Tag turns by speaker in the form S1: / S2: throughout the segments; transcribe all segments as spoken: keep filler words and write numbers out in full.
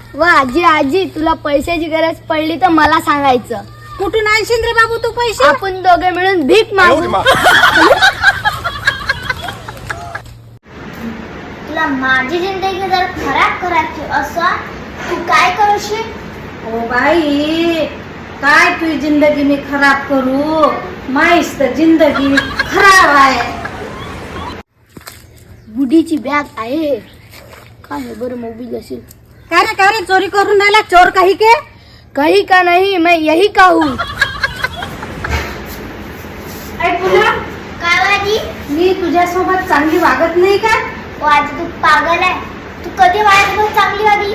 S1: व आजी आजी तुला पैशाची गरज पडली तर मला सांगायचं.
S2: कुठून आणशील रे बाबू तू पैसे?
S1: आपण दोघे मिळून भीक मागू. तुला माझी जिंदगी जर खराब करायची असं तू काय करशील?
S2: ओ बाई काय तुझी जिंदगी मी खराब करू? माहीस तर जिंदगी खराब आहे.
S1: बुढीची बॅग आहे काय बरं मोबाईल असेल.
S2: काय रे काय रे चोरी करून राहिला? चोर काही के
S1: कहीं का नहीं मैं यही का हूँ.
S2: मी तुझ्यासोबत चांगली वागत नाही का?
S1: ओ आजी तू पागल आहे. तू कधी माझ्यासोबत चांगली वागली?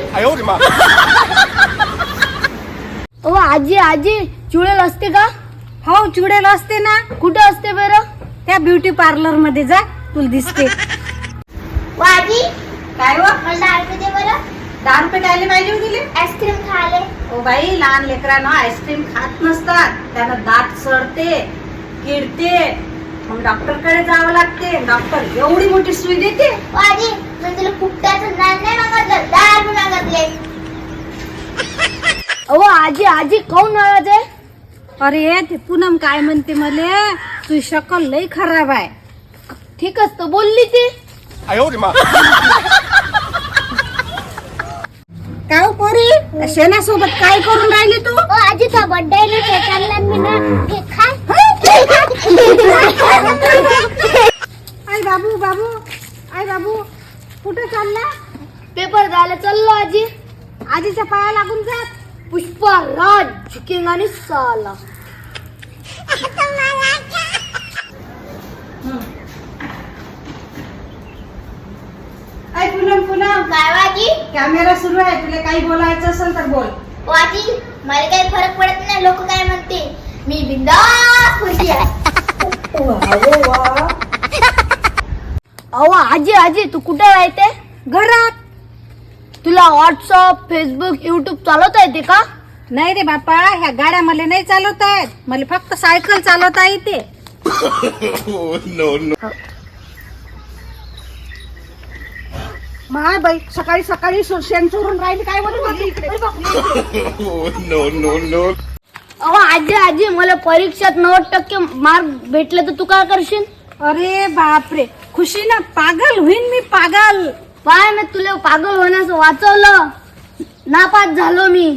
S1: ओ आजी आजी चुडेल असते का?
S2: हो चुडेल असते ना.
S1: कुठे असते बरं?
S2: त्या ब्युटी पार्लर मध्ये जा तुला दिसते.
S1: ओ आजी
S2: काय व
S1: मला दहा रुपये दे बरं.
S2: दहा रुपये खायला पाहिजे गेले.
S1: आईस्क्रीम खाले.
S2: ओ बाई लहान लेकरांना आईस्क्रीम खात नसतात. त्यांना दात सडते किडते मग डॉक्टर कडे जावं लागते. डॉक्टर एवढी मोठी सुई देते.
S1: ओ आजी मी तुला फुकटाचं ज्ञान नाही मागितलं दहा रुपये मागितले. अहो आजी आजी खाऊन नाराज आहे.
S2: अरे ते पूनम काय म्हणते मले तुझी शक्कल लई खराब आहे.
S1: ठीक असतं बोलली ती.
S2: काय पोरी शेणासोबत काय करून राहिली तू?
S1: ओ आजीचा बर्थडे आहे ना चालला मी ना हे खा.
S2: आई बाबू बाबू आई बाबू कुठे चालला?
S1: पेपर द्यायला चाललो आजी.
S2: आजीच्या पाया लागून जात.
S1: पुष्पा राज झुकेगा आणि साला.
S2: आई पूनम पूनम
S1: काय आजी?
S2: कॅमेरा सुरू आहे. तुला काही बोलायचं असेल तर बोल.
S1: ओ आजी मला काही फरक पडत नाही लोक काय म्हणते. मी बिंदास खुशी आहे. अहो आजी आजी तू कुठे राहते?
S2: घरात.
S1: तुला व्हॉट्सअप फेसबुक युट्यूब चालवता येते का?
S2: नाही रे बापा ह्या गाड्या मला नाही चालवता येत. मला फक्त सायकल चालवता येते. माय बाई सकाळी सकाळी शेण चोरून राहिली काय बोलत.
S1: अहो आजी आजी मला परीक्षेत नव्वद टक्के मार्क भेटले तर तू काय करशील?
S2: अरे बापरे खुशी ना पागल होईन मी पागल.
S1: पाय मी तुला पागल होण्यास वाचवलं. नापास झालो मी.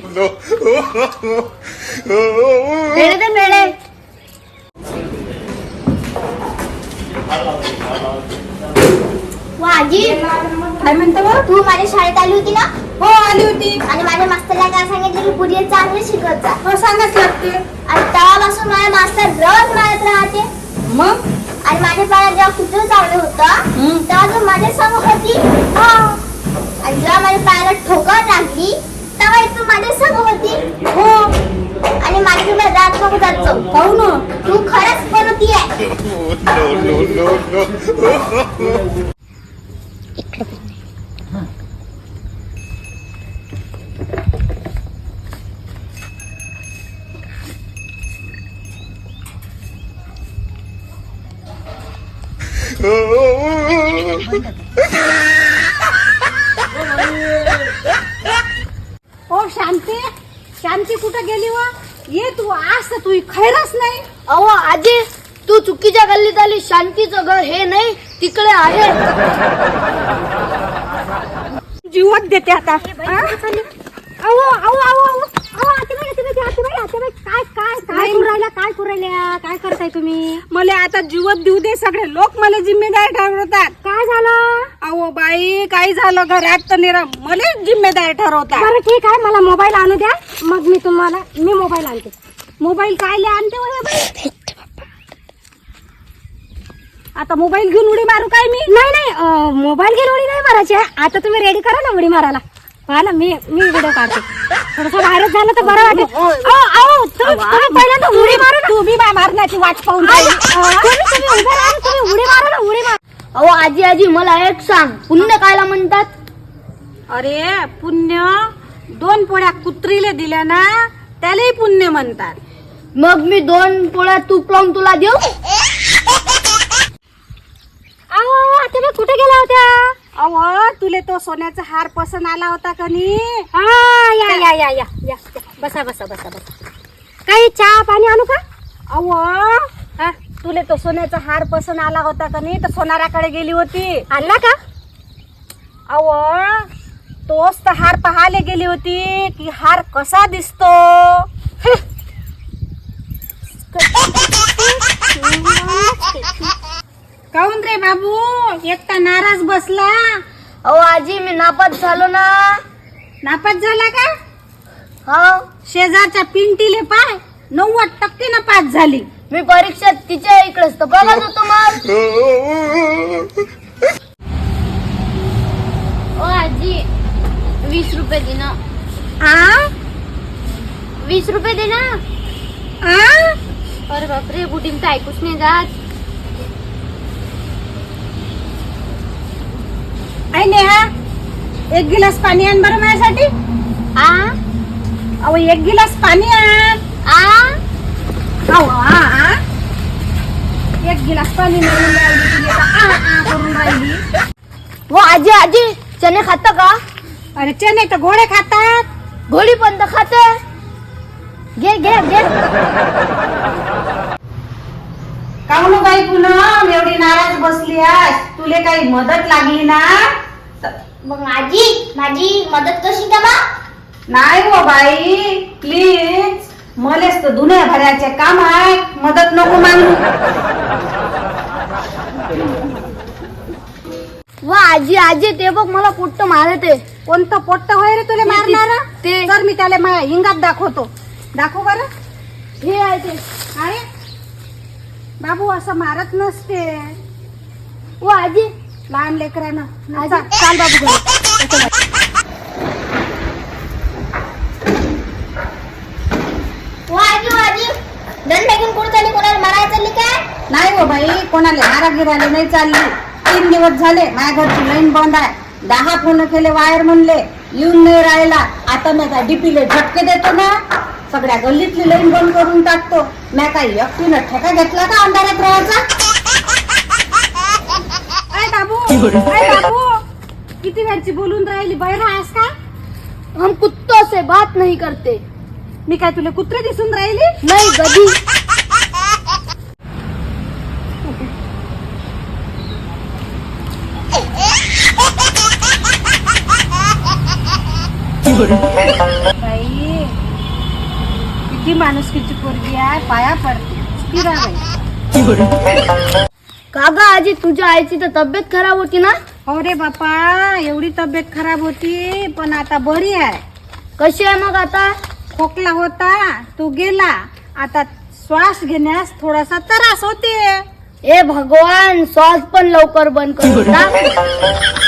S1: पेढे दे पेढे. आजी
S2: काय म्हणतो?
S1: तू माझ्या शाळेत आली होती ना?
S2: हो आली होती.
S1: आणि माझ्या मास्तरला काय सांगितलं की पुढे चांगले शिकत जा.
S2: हो सांगत लागते.
S1: आणि तेव्हापासून माझ्या मास्तर रोज मारत राहते.
S2: मग
S1: आणि माझ्या पायाला जेव्हा कुठं चावलं होतं तेव्हा तू माझ्या समोर होती. आणि जेव्हा माझ्या पायाला ठोकर लागली तेव्हा तू माझ्या समोर होती.
S2: हो
S1: आणि माझ्याकडे रात नको जायचो.
S2: पाहू ना
S1: तू खरंच बनवती आहे.
S2: ओ शांती शांती कुठं गेली व? ये तू आज तर तू खैरच नाही.
S1: अहो आजी तू चुकीच्या गल्लीत आली. शांतीचं घर हे नाही तिकडे आहे.
S2: जीवत देते आता. अहो अहो अहो अहो काय काय काय करू राहिला काय करू राहिल्या काय करताय तुम्ही? मला आता जीवत देऊ दे. सगळे लोक मला जिम्मेदार ठरवतात. काय झालं? अहो बाई काय झालं घरात तर निरा मला जिम्मेदार ठरवतात. बरं ठीक आहे मला मोबाईल आणू द्या मग मी तुम्हाला मी मोबाईल आणते. मोबाईल काय आणते बाई? आता मोबाईल घेऊन उडी मारू काय मी? नाही नाही मोबाईल घेऊन उडी नाही मारायची. आता तुम्ही रेडी करा ना उडी मारायला. मला मी मी व्हिडिओ काढते. थोडस बाहेरच झालं तर बरं वाटेल. पहिल्यांदा उडी मारू ना. तुम्ही मारण्याची वाट पाहून उडी मारा ना उडी मार.
S1: अहो आजी आजी मला एक सांग पुण्य कायला म्हणतात?
S2: अरे पुण्य दोन पोळ्या कुत्रीले दिल्या ना त्यालाही पुण्य म्हणतात.
S1: मग मी दोन पोळ्या तूप लावून तुला देऊ?
S2: अहो आता मी कुठे गेला होत्या? अहो तुले तो सोन्याचा हार पसंत आला होता का नी?
S3: हा या या या या या बसा बसा बसा बसा. काही चहा पाणी आणू का?
S2: अहो
S3: हा
S2: तुले तो सोन्याचा हार पसंत आला होता का नी? तर सोनाराकडे गेली होती.
S3: आणला का?
S2: अहो तोच तर हार पाहायला गेली होती की हार कसा दिसतो. काऊन रे बाबू एकटा नाराज बसला?
S1: अहो आजी मी नापास झालो ना.
S2: नापास झाला का?
S1: हो
S2: शेजारच्या पिंटीले पाय नव्वद टक्के ना पास झाली.
S1: मी परीक्षेत तिच्या इकडेच तर बघत होतो मग. ओ आजी वीस रुपये दे ना.
S2: आ
S1: वीस रुपये दे ना.
S2: आ
S1: अरे बापरे बुटीन तर ऐकूच नाही जात.
S2: आई नेहा एक गिलास पाणी आण बरं माझ्यासाठी.
S1: आ
S2: अहो एक गिलास पाणी आण.
S1: आ
S2: अहो आ आ एक गिलास पाणी मिळून राहिली तुझी आता आ आ करून राहिली.
S1: वो आजी आजी चने खाता का?
S2: अरे चने तर घोडे खातात.
S1: घोडी पण तर खाते. घे घे घे.
S2: काऊन बाई पूनम एवढी नाराज बसली आज? तुले काही मदत लागली ना?
S1: मग आजी माझी मदत कशी करा?
S2: नाही हो बाई प्लीज मलेच तर दुनिया भराचे काम आहे. मदत नको मागू.
S1: वा आजी आजी ते बघ मला पोट्ट मारते.
S2: कोणतं पोट्ट होय रे तुला मारणार?
S1: ते-
S2: तर मी त्याला माझ्या हिंगात दाखवतो. दाखव बरं.
S1: हे आहे ते.
S2: अरे बाबू असं मारत नसते.
S1: वा आजी
S2: लहान लेकरांना
S1: आजी.
S2: चा- चाल बाबू घरी.
S1: वा आजी वा आजी दंड घेऊन कुठे चालली? कोणाला मारायला चालली काय?
S2: नाही हो बाई कोणाला मारागिराला नाही चालली. तीन दिवस झाले माझ्या घरची लाईन बंद आहे. दहा फोन केले वायर म्हणले येऊन नाही राहिला. आता मी काय डीपीले झटके देतो ना. सगळ्या गल्लीतली लाईन बंद करून टाकतो. मी काय एकटीनं ठेका घेतला का अंधारात राहायचा? अय बाबू अय बाबू किती वेळची बोलून राहिली? बहिरा आहेस का?
S1: हम कुत्तों से बात नहीं करते.
S2: मी काय तुला कुत्रे दिसून राहिली?
S1: नहीं गधी.
S2: बाई किती माणुसकीची पोरगी आहे. पाया पडते. स्थिरा बाई.
S1: कागा आजी तुझ्या आईची तर तब्येत खराब होती ना?
S2: हो रे बापा एवढी तब्येत खराब होती पण आता बरी आहे.
S1: कशी आहे मग आता?
S2: खोकला होता तू गेला. आता श्वास घेण्यास थोडासा त्रास होते.
S1: ए भगवान श्वास पण लवकर बंद कर.